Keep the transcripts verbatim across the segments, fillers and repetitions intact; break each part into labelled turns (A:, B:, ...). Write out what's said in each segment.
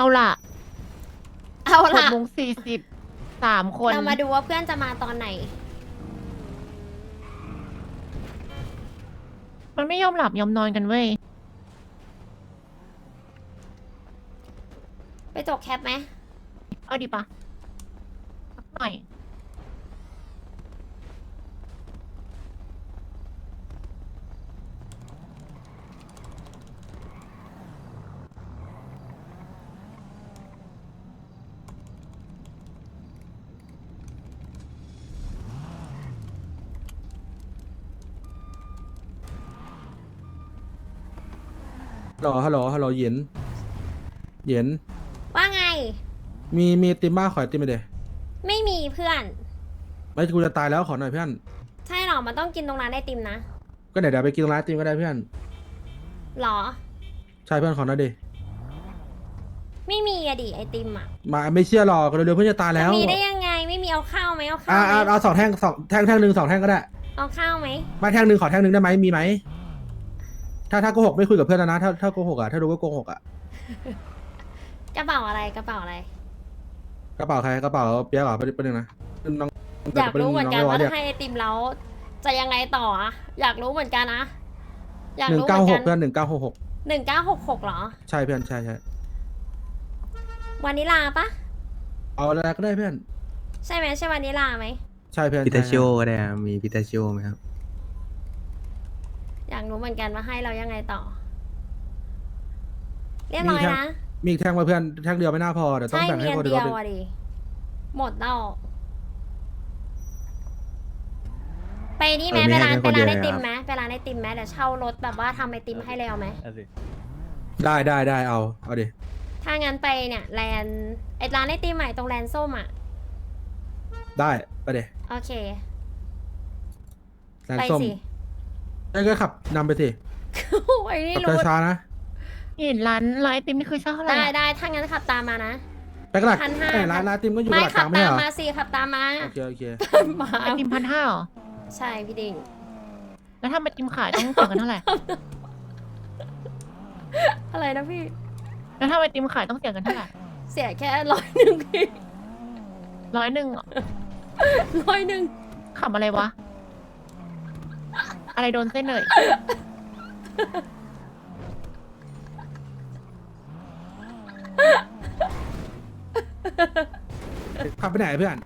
A: เอาล่ะ
B: เอา
A: หก
B: ล่ะ
A: โมงสี่สิบสามคน
B: เรามาดูว่าเพื่อนจะมาตอนไหน
A: มันไม่ยอมหลับยอมนอนกันเว้ย
B: ไปจกแคปไหม
A: เอาดีปะสักหน่อย
C: ฮัลโหลฮัลโหลฮัลโหลเหย็นเหย็น
B: ว่าไง
C: มีมีไอติมบ้าขอไอติมไปเดย
B: ไม่มีเพื่อน
C: ไม่กูจะตายแล้วขอหน่อยเพื่อน
B: ใช่หรอ มันต้องกินตรงร้านไอติมนะ
C: ก็เดี๋ยวเดี๋ยวไปกินร้านไอติมก็ได้เพื่อน
B: หรอ
C: ใช่เพื่อนขอหน่อยดิ
B: ไม่มีอะดิไอติมอะ
C: มาไม่เชื่อหรอกเร็วๆเพื่อนจะตายแล้ว
B: มีได้ยังไง ไม่มีเอาข้าวไหมเอาข้า
C: อ่าว
B: ไหม
C: อ่าเอาสองแท่งสองแท่งแท่งหนึ่งสองแท่งก็ได้
B: เอาข้าวไหม
C: มาแท่งหนึ่งขอแท่งหนึ่งได้ไหมมีไหมถ้าถ้าโกหกไม่คุยกับเพื่อนแล้วนะถ้าถ้าโกหกอ่ะถ้ารู้ว่าโกหกอ่ะ
B: กระเป๋าอะไรกระเป๋าอะไร
C: กระเป๋าใครกระเป๋าเปียกเหรอไปไปหนึ่งนะน้อง
B: อยากรู้เหมือนกันว่า
C: เรีย
B: ถ้าให้ไอติมแล้วจะยังไงต่ออะอยากรู้เหมือนกันนะ อยาก
C: หนึ่ง
B: รู้เห
C: เก้า
B: มือน
C: ห
B: กั
C: ก
B: น
C: เพื่อนหนึ่งเก้าหกหก
B: หนึ่งเก้าหกหกเหรอ
C: ใช่เพื่อนใช่ใช่
B: วานิลาปะ
C: เอาอะไรก็ได้เพื่อน
B: ใช่ไหมใช่วานิลาไหม
C: ใช่เพื่อน
D: พิตา
C: ใช่
D: ชิโอก็ได้ครับมีพิตาชิโอไหมครับ
B: อยากรู้เหมือนกันว่าให้เรายังไงต่อ เรียบร้อยนะ
C: มีอีกแท่งมาเพื่อนแท่งเดียวไม่น่าพอเดี๋ยวต้อง
B: ใช่
C: แบ่ง
B: มี
C: ให้
B: อั
C: คน
B: น
C: เดี
B: เดี
C: ย
B: ยว
C: ว
B: อะดิ หมดแล้ว ไปนี่ไหม
D: เออไม่
B: ไป
D: ให้
B: ร้าน
D: แค่
B: ไป
D: คนเดี
B: ร้าย นไอ
D: วเลย
B: ติม
D: ครับ
B: ไหมไปร้านไอติมไหมเดี๋ยวเช่ารถแบบว่าทำไอติมให้แล้วไหม
C: ได้ได้ได้เอาเอาดิ
B: ถ้างั้นไปเนี่ยแลนด์ไอร้านไอติมใหม่ตรงแลนด์ส้มอ่ะ
C: ได้ไปเด
B: โอเค
C: แลน
B: ไป
C: ส้ม
B: สิ
C: ได้ก็ขับนำไปสิ
B: ไอ้นี่
C: ขับ
B: รู้
C: ช้าๆนะ
A: เห็นร้านร้านไอติมนี่คือเช่าเท่าไหร่
B: ได้
A: อะ
B: ได้ถ้างั้นขับตามมานะ
C: ไปกระดาษ
B: พันห้า
C: เอ้ยร้านร้านติมก็อยู่ก
B: ไม่
C: ระดาษก
B: ขั
C: ลา
B: บ
C: งไม่
B: ตา
C: ใช่
B: ม
C: เหรอ
B: มาสิขับตามมา
C: โอเคโอเค
B: มา
A: ไอติมพันห้าหรอ
B: ใช่พี่ดิ่ง
A: แล้วถ้าไอติมขายต้องเสียกันเท่าไหร่
B: อะไรนะพี่
A: แล้วถ้าไอติมขายต้องเสียกันเท่าไหร่
B: เสียแค่ร้อยหนึ่งพี่
A: ร้อยหนึ่ง
B: ร้อยหนึ่ง
A: ขับอะไรวะ อะไรโดนเส้นเลย
C: ขับไปไหนเพื่อน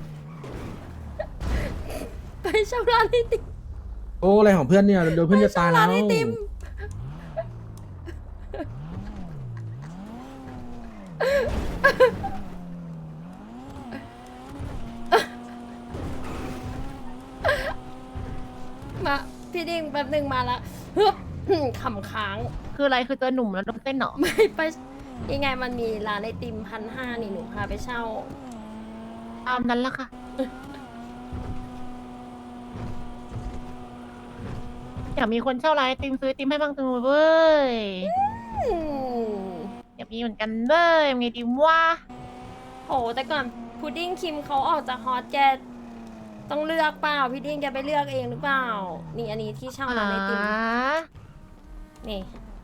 B: ไปเช่าร้านไอติม
C: โอ้อะไรของเพื่อนเนี่ยเดี๋ยวเพื่อนจะตาย
B: ไป
C: แล้
B: เช่ร้าน
C: ว
B: ไอติมมาพี่ดิ่งแป๊บหนึ่งมาละฮึบขำค้าง
A: คืออะไรคือเจอหนุ่มแล้วโดนเส้นเหรอ
B: ไม่ไปยังไงมันมีร้านไอติมพันห้านี่หนูพาไปเช่า
A: ตามนั้นละค่ะ อยากมีคนเช่าร้านไอติมซื้อไอติมให้บ้างจังเลยเว้ย
B: อืม
A: อยากมีเหมือนกันเว้ยมีดีว่า
B: โหแต่ก่อนพุดดิ้งคิมเขาออกจากฮอตแกต้องเลือกเปล่าพี่ดิ้งแกไปเลือกเองหรือเปล่า นี่อันนี้ที่เช่าร้านไอติมนี่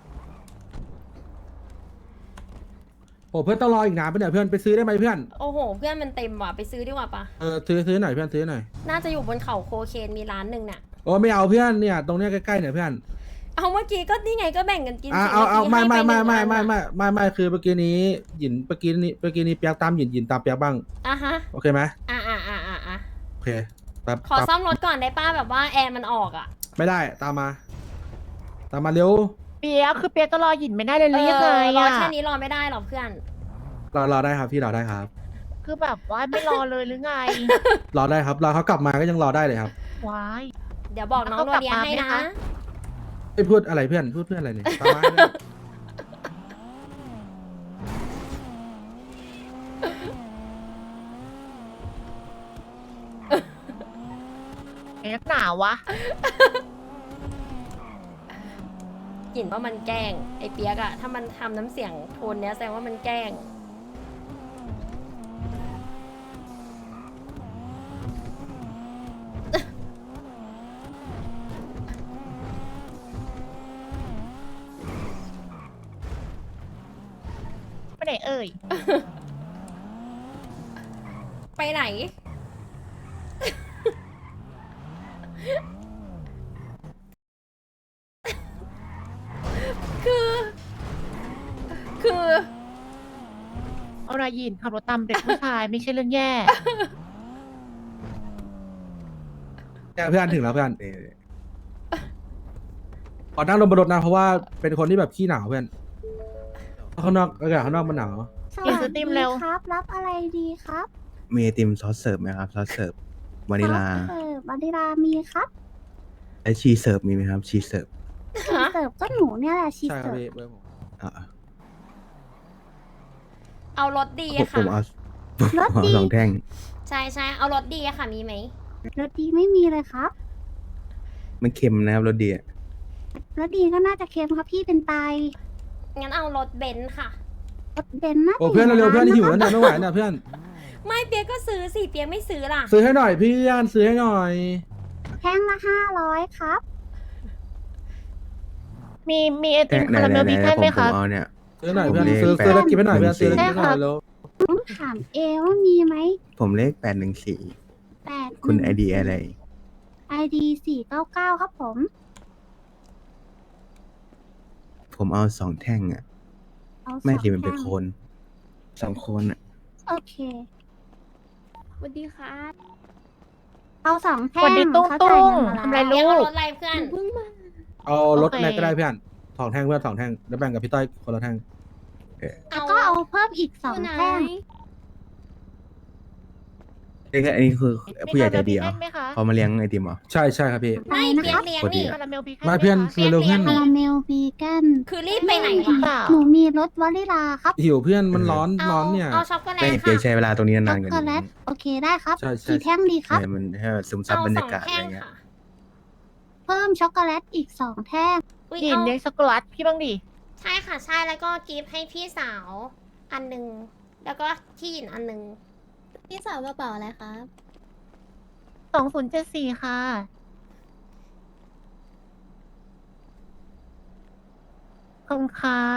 C: โอ้เพื่อนต้องรออีกนานไปเนี่ยเพื่อนไปซื้อได้ไหมเพื่อน
B: โอ้โห เพื่อนมันเต็มว่ะไปซื้อดีกว่าปะ
C: เออซื้อซื้อหน่อยเพื่อนซื้อหน่อย
B: น่าจะอยู่บนเขาโคเคนมีร้านหนึ่งน่ะ
C: โอ้ไม่เอาเพื่อนเนี่ยตรงเนี้ยใกล้ๆเนี่ยเพื่อน
B: เอาเมื่อกี้ก็นี่ไงก็แบ่งกันกิน
C: อ่า
B: สิ
C: เอาเอา
B: มื่
C: ไม่
B: กี้
C: ไม่
B: ให้
C: ไม่
B: ป
C: ไม่
B: หนึ่ง
C: ไม่
B: อัน
C: ไม่
B: น่ะ
C: ไม่ไม่คือเมื่อกี้นี้หยินเมื่อกี้นี้เมื่อกี้นี้เปียกตามหยินหยินตามเปียกบ้าง
B: อ่ะฮะ
C: โอเคไหม
B: อ่ะอ่ะอ่ะอ่ะอ่ะ
C: โอเคแป๊บ
B: ขอ
C: ตาม
B: ซ่อมรถก่อนได้ป้าแบบว่าแอร์มันออกอ่ะ
C: ไม่ได้ตามมา ตามมาเร็ว
A: เปียกคือเปียกจะรอหยินไม่ได้เลยห
B: เอ
A: รือยังไง
B: อรอ
A: อะ
B: แค่นี้รอไม่ได้หรอกเพื่อน
C: รอรอได้ครับพี่รอได้ครับ
A: คือแบบว่าไม่รอเลยหรือไง
C: รอได้ครับรอเขากลับมาก็ยังรอได้เลยครับ
A: ว้าย
B: เดี๋ยวบอกน้อง
A: แล้ว
B: โร
A: เขากลับ
B: เดีย
A: มา
B: ให้
A: ไหม
B: นะคะ
C: ไอ้ยพูดอะไรเพื่อนพูดเพื่อนอะไรเนี่ยตามมาเพื่อน
A: ไอ้นักหนาวะ
B: กลิ่นว่ามันแกล้งไอ้เปียกอะถ้ามันทำน้ำเสียงโทนเนี้ยแสดงว่ามันแกล้ง
A: ไหนเอ่ย
B: ไปไหน คือ คือ
A: เอารายินขับรถตามเด็กผู้ชายไม่ใช่เรื่องแย่
C: เนี่ยเพื่อนถึงแล้วเพื่อนขอนั่งลงบนรถนะเพราะว่าเป็นคนที่แบบขี้หนาวเพื่อนเพราะข้างนอกอากาศข้างนอกมันหนาว
E: ส
A: กิน
E: วัส
A: สติ
E: ดี
A: มเร็ว
E: ครับ รับอะไรดีครับ
D: มีไอติมซอสเสิร์ฟไหมครับ ซอสเสิร์ฟวานิลา
E: เออวานิลามีครับ
D: ไอชีสเสิร์ฟมีไหมครับ ชีสเสิร์ฟ
E: ชีสเสิร์ฟก็หนูเนี่ยแหละชีส
C: ใช่ครับ
E: เสิร์ฟ
C: พี่เบอร์ผม
D: อ่า
B: เอารถดี
D: ผม
B: ค่ะ
D: ผมเอาผมเอาสองแท่ง
B: ใช่ใช่เอารถดีอะค่ะ มีไหม
E: รสดีไม่มีเลยครับ
D: มันเค็มนะครับรสดีอะ
E: รสดีก็น่าจะเค็มครับพี่เป็นไต
B: งั้นเอารถเบนซ์ค่ะ
E: รสเบนซ์น่าจะ
C: โอ้เพื่อน
E: ยู่
C: เร็วๆเพื่อน
E: ใะ
C: หิว
E: ครับ
C: แล้วเนี่ยไม่ไหวเนี่ยเพื่อน
B: ไม่เปียกก็ซื้อสิเปียกไม่ซื้อล่ะ
C: ซื้อให้หน่อยเพื่อนซื้อให้หน่อย
E: แท่งละห้าร้อยครับ
A: มีมีไอติม
D: ไหน
A: คารา
D: ไห
A: เม
D: น
A: ล
D: ไหน
A: บี
D: ไหน
A: แคน
D: ผม
A: ไหม
D: ผ
A: ครั
D: ม
A: บ
D: เอาเนี่ย
C: ซื้อหน่อย
D: ผม
C: เพื่อน
D: เลข
C: ซื้อ
D: แปด
C: ซื้อแล้วกินให้หน่อยเพื่อนซื้อแล้ว
E: ใช่
C: กินให้หน่อย
E: ครับ
C: เร็ว
E: ต้องถามเอว่ามีไหม
D: ผมเลขแปดหนึ่งสี่
E: แปด
D: คุณไอดีอะไร
E: ไอดีสี่เก้าเก้าครับผม
D: ผมเอาสองแท่งอ่ะ
E: เอาสอง
D: ไม่สิมันเป็น
E: แท่ง
D: โคนสองโคนอ่ะ
E: โอเค
F: สวัสดีครับ
E: เอาสองแท่
A: สวัสดี
E: ง
A: ตุ้ง
E: เขา
A: ตุ้
E: จ่าย
A: ง
E: เงินมา
A: ทำไร
E: แล้ว
B: เปียก
A: ลู
B: เอา
A: ก
B: รถอะไรเพื่อน
F: เพิ่งมา
C: เอารถ
A: โอเค
C: อะไรก็ได้เพื่อนสองแท่งเพื่อนสองแท่งแล้วแบ่งกับพี่ต้อยคนละแท่ง
E: แล้วก็เอาเพิ่มอีกสอง
F: อยู่ไหน
E: แท่ง
D: เอ้ยอันนี้คือผู้ใหญ่ใจดีเหร
A: มี
D: อ
A: คาราเมลบีแคนไหมคะ
D: เขามาเลี้ยงไอติมเหรอ
C: ใช่ใช่ครับพี่
E: อะไร
B: ไม่
E: นะ
B: เปีย
E: ครั
B: ก
E: บ
B: เลี้ยง
D: พอดี
B: นี่
D: อะ
A: คาราเมลบีแคน
C: มาเพื่อน
A: ไหคะ
C: ซื้อเร็วเพื่อน
E: คาราเมลวีแกน
B: คือรีบไปไหน
A: หรือ
B: วะ
A: เปล่า
E: หนูมีรสวานิลาครับ
C: หิวเพื่อนมันร้อน
B: เอา
C: ร้อนเนี่ย
B: เอาช็อกโกแล
D: ไม่
B: ต
D: เปีย
B: ค่ะ
D: กใช้เวลาตรงนี้
E: ช็
D: นา
E: อน ก
D: ๆกัน
E: โกแลตโอเคได้ครับ
C: ใช่ใช่
E: กี่แท่งดีครับ
D: เนี่ยมันให้ซึมซับ
B: เอา
D: บรร
B: ส
D: ยา
B: อง
D: กาศอะ
B: แท่
D: ไรง เงี้ย
B: ค่ะ
E: เพิ่มช็อกโกแลตอีกสองแท่ง
B: อุ๊ย
A: ยิน
B: เอา
A: เลี้ยงช็อกโกแลตพี่บ้างดิ
B: ใช่ค่ะใช่แล้วก็กิฟต์ให้พี่สาวอันหนึ่งแล้วก็ที่หยินอันหนึ่ง
F: พี่สาวกระเป๋าอะไรครับ
A: สองศูนย์เจ็ดสี่ค่ะ ขอบคุณครับ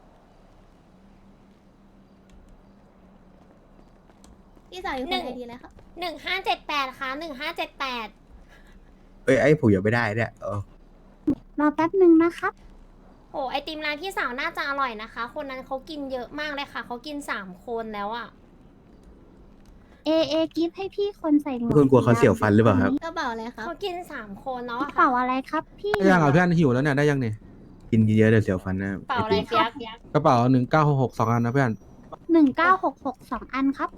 F: พี่สาวอยู่คนไอดีเลยครับ
B: หนึ่งห้าเจ็ดแปดค่ะหนึ่งห้าเจ็ดแปด
D: เอ้ยไอ้ผมอย่าไปได้เนี่ยเออ
E: รอแป๊บหนึ่งนะครับ
B: โอ้ไอติมร้านพี่สาวน่าจะอร่อยนะคะ คนนั้นเขากินเยอะมากเลยค่ะเขากินสามคนแล้วอะ
E: เอเอกิฟต์ให้พี่คนใส่หมวก
D: คุณกลัวเขาเสียวฟันหรือเปล่าครับ
F: กระเป๋าอะไรครับ
B: เขากินสามคนเนาะ
E: กระเป๋าอะไรครับพี่
C: ได้ยังอ่ะเพื่อนหิวแล้วเนี่ยได้ยังเนี่ย
D: กินเยอะๆเดี๋ยวเสียวฟันนะ
B: เปล่า
D: ไอ
B: อะไร
D: ติม
B: เปียก
C: กระเป๋าหนึ่งเก้าหกหกสองอันนะเพื่อน
E: หนึ่งเก้าหกหกสองอันครับ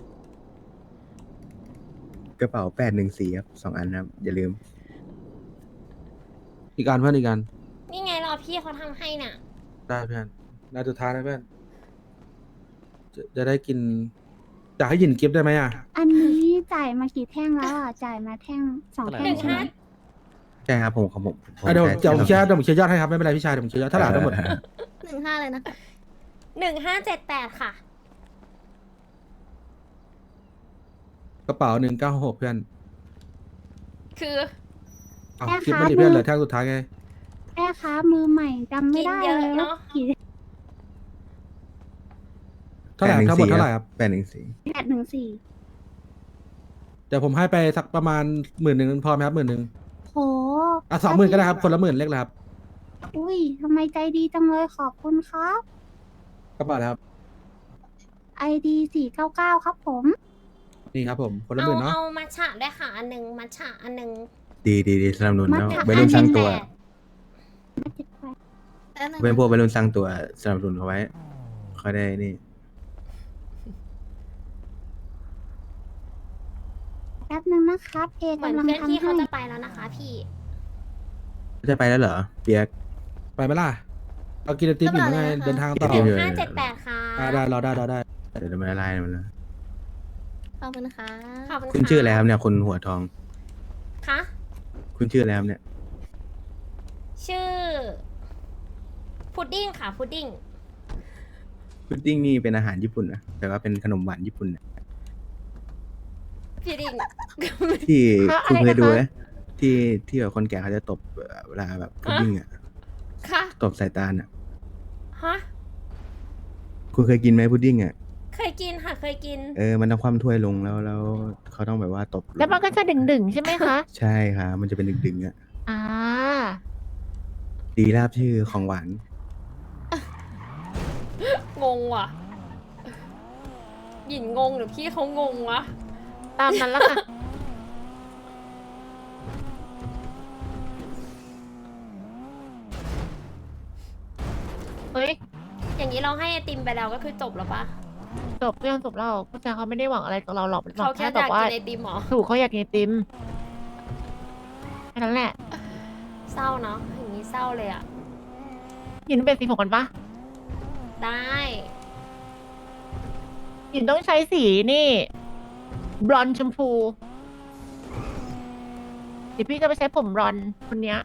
D: กระเป๋าแปดหนึ่งสี่ครับสองอันนะครับอย่าลืม
C: อีกอันเพื่อนอีกอัน
B: นี่ไงรอพี่เขาทำให้น่ะ
C: ได้เพื่อนนาสุดท้ายนะเพื่อนจะจะได้กินอยากให้หยินกิฟต์ได้ไหมอ่ะ
E: อันนี้จ่ายมากี่แท่งแล้วอ่ะ จ่ายมาแท่งสองแท่
B: หนึ่
E: ง
B: ง
E: ใช่ไหม
B: ห้า
D: ใช่ครับผมของผมผม
C: อ่ะเดี๋ยว
D: ใช้
C: เดี๋ยวผม
D: ใช้
C: เชียร์เดี๋ยวผมเชียร์ยอดให้ครับไม่เป็นไรพี่ชายเดี๋ยวผมเชียร์ยอดเท่าไหร่ทั้งหมด
F: หนึ่งห้าเลยนะคะ
B: หนึ่งห้าเจ็ดแปดค่ะ
C: กระเป๋าหนึ่งเก้าหกเพื่อน
B: คือ
C: เอาคลิปมันดิเพื่อนเหลือแท่งสุดท้ายไง
E: แม่ค้ามือใหม่จำไม่ได้
B: กินเย
E: เล
B: อะ
E: ย
B: เนอะ
E: ว่ากี่
C: เท่าไหร่ทั้งหมดเท่าไหร่ครับ
D: แปดหนึ่งสี่
E: แปดหนึ่งสี่
C: เดี๋ยวผมให้ไปสักประมาณหมื่นหนึ่งพอไหมครับหมื่นหนึ่ง
E: โห
C: อ่ะสองหมื่นก็ได้ครับคนละหมื่นเล็กแล้วครับ
E: อุ้ยทำไมใจดีจังเลยขอบคุณครับ
C: กระเป๋าแล้วครับ
E: ไอดีสี่เก้าเก้าครับผม
C: นี่ครับผมคนละห
B: เอา
C: มื่นเนาะ
B: เอามัทฉะด้วยค่ะอันหนึ่งมัทฉะอันหนึ่ง
D: ดีดีดีสนับสนุน
E: มัด
D: นะ
E: ฉะ
D: วัยรุ่นสร้างตัว
E: มาเจ็ดแปด
F: แล้วหนึ่ง
D: เป็นพวกวัยรุ่นสร้างตัวสนับสนุนเขาไว้เขาได้นี่
E: แป๊บหนึ่งนะครับเอ
B: เหมือน
E: กำลัง
B: เพื่อน
E: ทำ
B: ที่เขา
E: ให้
B: จะไปแล้วนะคะ พี่
D: จะไปแล้วเหรอเปียก
C: ไปไหมล่ะเรากินไอติมอยู่ไงเดินทางต่อ
D: กินไอติมอยู่
B: ห้าเจ็ดแปดค่ะ
C: อ่าได้เราได้เราได้
D: เดี๋ยวมันละลายมันนะ
F: ขอบคุณค่ะ
B: ขอบคุณ
D: คุณชื่ออะไรครับเนี่ยคุณหัวทอง
B: คะ
D: คุณชื่ออะไรครับเนี่ย
B: ชื่อ พุดดิ้งค่ะ พุดดิ้ง
D: พุดดิ้งนี่เป็นอาหารญี่ปุ่นนะแต่ว่าเป็นขนมหวานญี่ปุ่นนะ
B: พุดดิ้ง
D: ที่
A: ค่ะ
D: คุณ
A: อะไร
D: เคยดู
A: นะคะ
D: ไหมที่ที่แบบคนแก่เขาจะตบเวลาแบบพุดดิ้งอ่ะ
B: ค่ะ
D: ตบสายตาลอ่ะ
B: ฮะ
D: คุณเคยกินไหมพุดดิ้งอ่ะ
B: เคยกินค่ะ เคยกิน
D: เออ มันต้องคว่ำถ้วยลงแล้วแล้วเขาต้องแบบว่าตบลง
A: แล้วมันก็จะดึงๆใช่ไหมคะ
D: ใช่ค่ะมันจะเป็นดึงๆอ่ะ
A: อ่า
D: ดีลาบชื่อของหวาน
B: งงว่ะ หยินงงหรือพี่เขางงวะ
A: ตามนั้นละค่ะ เฮ้ย
B: อย่างนี้เราให้ไอติมไปแล้วก็คือจบแล้วปะ
A: จบเรื่องจบแล้วผู้ชายเขาไม่ได้หวังอะไรกับเราหรอกหวั
B: เขา
A: ง
B: แค่
A: แค่
B: อ
A: แบบ
B: ยาก
A: ว่า
B: กินไอติมเหรอ
A: ถูกเขาอยากกินไอติมแค่นั้นแหละ
B: เศร้าเนาะ อย่างนี้เศร้าเลยอะ
A: หยินเป็นสีผมกันปะ
B: ได้
A: หยินต้องใช้สีนี่ บลอนด์ชมพูเดี๋ยวพี่จะไปใช้ผมบลอนด์คนเนี้ย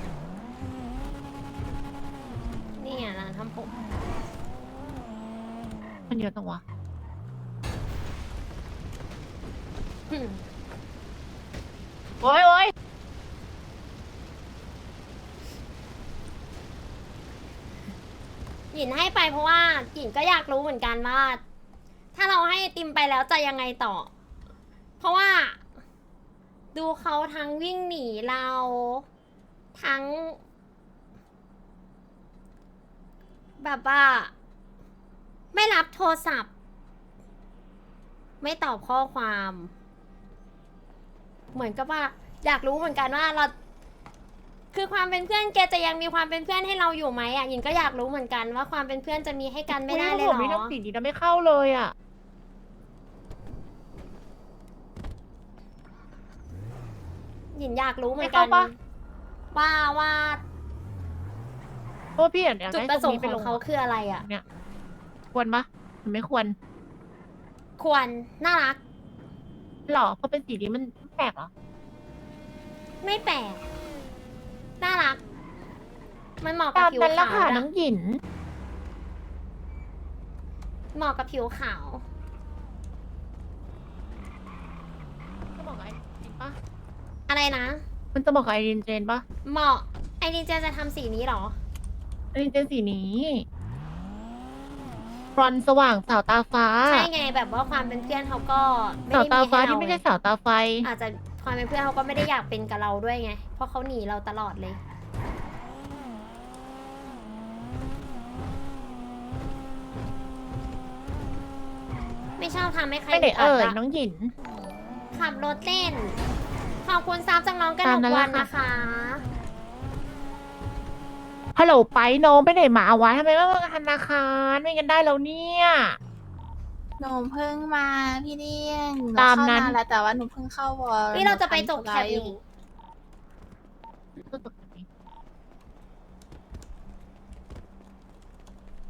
B: นี่อ่ะร้านทำผม
A: มันเยอะจังวะ
B: อืม
A: โอ้ยโอ้ย
B: หยินให้ไปเพราะว่าหยินก็อยากรู้เหมือนกันว่า ถ้าเราให้ไอติมไปแล้วจะยังไงต่อ เพราะว่า ดูเขาทั้งวิ่งหนีเรา ทั้ง แบบว่า ไม่รับโทรศัพท์ ไม่ตอบข้อความ เหมือนกับว่า อยากรู้เหมือนกันว่าเรา คือความเป็นเพื่อนแกจะยังมีความเป็นเพื่อนให้เราอยู่ไหมอ่ะหยินก็อยากรู้เหมือนกันว่าความเป็นเพื่อนจะมีให้กันไม่ได้เลย
A: ผม
B: เหร
A: นี่
B: อ
A: ทำสีนี้แล้วไม่เข้าเลยอ่ะ
B: หยินอยากรู้เหมือนกัน
A: ไม่เข้าปะ
B: ว่าว่า
A: เพราะว่าพี่อยากอยาก
B: จุด
A: ได้
B: ประส
A: ตรง
B: ง
A: นี้
B: ค์
A: ไป
B: ข
A: ล
B: อง
A: ง
B: เขาคืออะไรอ่ะ
A: เนี่ยควรปะหรือไม่ควร
B: ควรน่ารัก
A: หรอเพราะเป็นสีนี้มันแปลกเหรอ
B: ไม่แปลกน่ารัก มันเหมาะกับ
A: ตาม
B: ผิว
A: นั้นละ
B: ขาว
A: ค่ะ
B: นะ
A: น้องหยิน
B: เหมาะกับผิวขาว
A: จะบอกกับไอรินปะ
B: อะไรนะ
A: มันจะบอกกับไอรินเจนปะ
B: เหมาะไอรินเจนจะทำสีนี้เหรอ
A: ไอรินเจนสีนี้บรอนซ์สว่างสาวตาฟ้า
B: ใช่ไงแบบว่าความเป็นเพื่อนเขาก็ไม่
A: สาว
B: ได้
A: ตา
B: มี
A: ฟ้า
B: ให้เรา
A: ที่ไม่ใช่
B: ไง
A: สาวตาไฟ
B: อาจจะความเป็นเพื่อนเขาก็ไม่ได้อยากเป็นกับเราด้วยไง เพราะเขาหนีเราตลอดเลย ไม่ชอบทำให้ใคร
A: ไม่ได้เอ่ย
B: ดด
A: น้องหยิน
B: ขับรถเล่น ขอบคุณซับจากน้องกระหน
A: ตาม
B: ก
A: นั้น
B: วัน
A: ละค่ะ
B: นะคะ
A: ฮัลโหลไปน้องไปไหนมาวะทำไมไม่มาธนาคารไม่กันได้แล้วเนี่ย
G: หนูเพิ่งมาพี่เลี้ยงห
A: ตาม
G: เข้
A: นั้น
G: แล้วแต่ว่าหนูเพิ่งเข้าวอล
B: นี่เราจะไปจบ
G: หนู
B: แค
G: ทำ
B: ป
G: ธุระ
B: นี่
G: อยู่
A: ตก